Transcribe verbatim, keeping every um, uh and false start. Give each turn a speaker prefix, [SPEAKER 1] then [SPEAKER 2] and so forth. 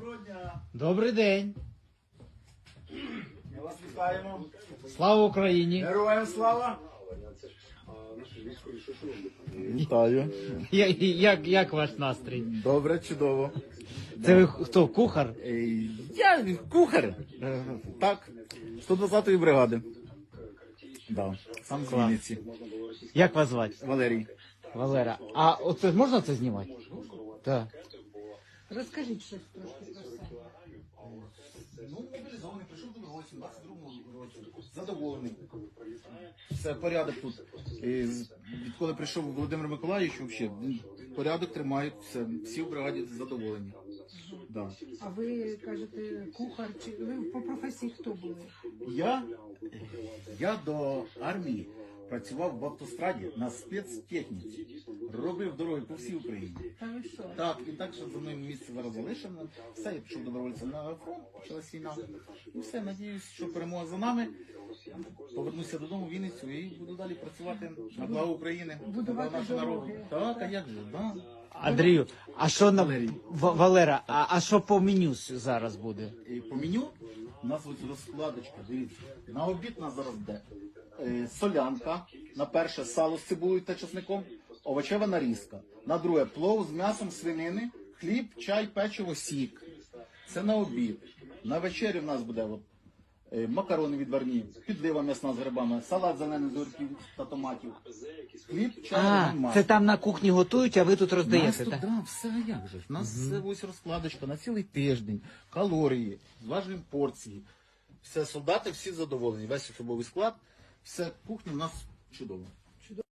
[SPEAKER 1] Доброго дня.
[SPEAKER 2] Добрий день.
[SPEAKER 1] Ми вас вітаємо.
[SPEAKER 2] Слава Україні.
[SPEAKER 1] Героям слава. Вітаю.
[SPEAKER 2] Я- Як, як ваш настрій?
[SPEAKER 1] Добре, чудово.
[SPEAKER 2] Це ви хто, кухар?
[SPEAKER 1] Ей, Я кухар. Е, Так, сто двадцятої бригади. Да, сам з
[SPEAKER 2] Клас.
[SPEAKER 1] Вінниці.
[SPEAKER 2] Як вас звати?
[SPEAKER 1] Валерій.
[SPEAKER 2] Валера. А оце можна це знімати? Так.
[SPEAKER 3] Розкажіть щось трошки про себе.
[SPEAKER 1] Ну, мобілізований, прийшов до році, в двадцять другому році. Задоволений. Все, порядок тут. І з- Відколи прийшов Володимир Миколаївич, взагалі, порядок тримають, все, всі в бригаді задоволені. Да.
[SPEAKER 3] А ви кажете, кухар, чи ви по професії хто були?
[SPEAKER 1] Я, я до армії працював в автостраді на спецтехніці. Робив дороги по всій Україні.
[SPEAKER 3] Та ви що?
[SPEAKER 1] Так, і так, що за мною місце зараз залишено. Все, я пішов добровольцем на фронт, почалась війна. І все, надіюсь, що перемога за нами. Повернуся додому в Вінницю і буду далі працювати на благо України, на благо
[SPEAKER 3] Будувати
[SPEAKER 1] нашого народу.
[SPEAKER 3] дороги.
[SPEAKER 1] Так, а як же, да.
[SPEAKER 2] Андрію, а що на
[SPEAKER 1] Валерій.
[SPEAKER 2] В- Валера, а, а що по меню с- зараз буде?
[SPEAKER 1] І по меню у нас ось розкладочка, дивіться. На обід у нас зараз буде е, солянка, на перше сало з цибулею та чесником, овочева нарізка. На друге плов з м'ясом свинини, хліб, чай, печиво, сік. Це на обід. На вечері в нас буде от, е, макарони відварні, підлива м'ясна з грибами, салат зелений з огірків та томатів, хліб, чай,
[SPEAKER 2] А,
[SPEAKER 1] лимон,
[SPEAKER 2] це там на кухні готують, а ви тут
[SPEAKER 1] у нас
[SPEAKER 2] роздаєте,
[SPEAKER 1] тут,
[SPEAKER 2] так?
[SPEAKER 1] да, все а як же ж. У нас все ось розкладочка на цілий тиждень, калорії, зважуємо порції. Все, солдати всі задоволені, весь особовий склад, все, кухня у нас чудова.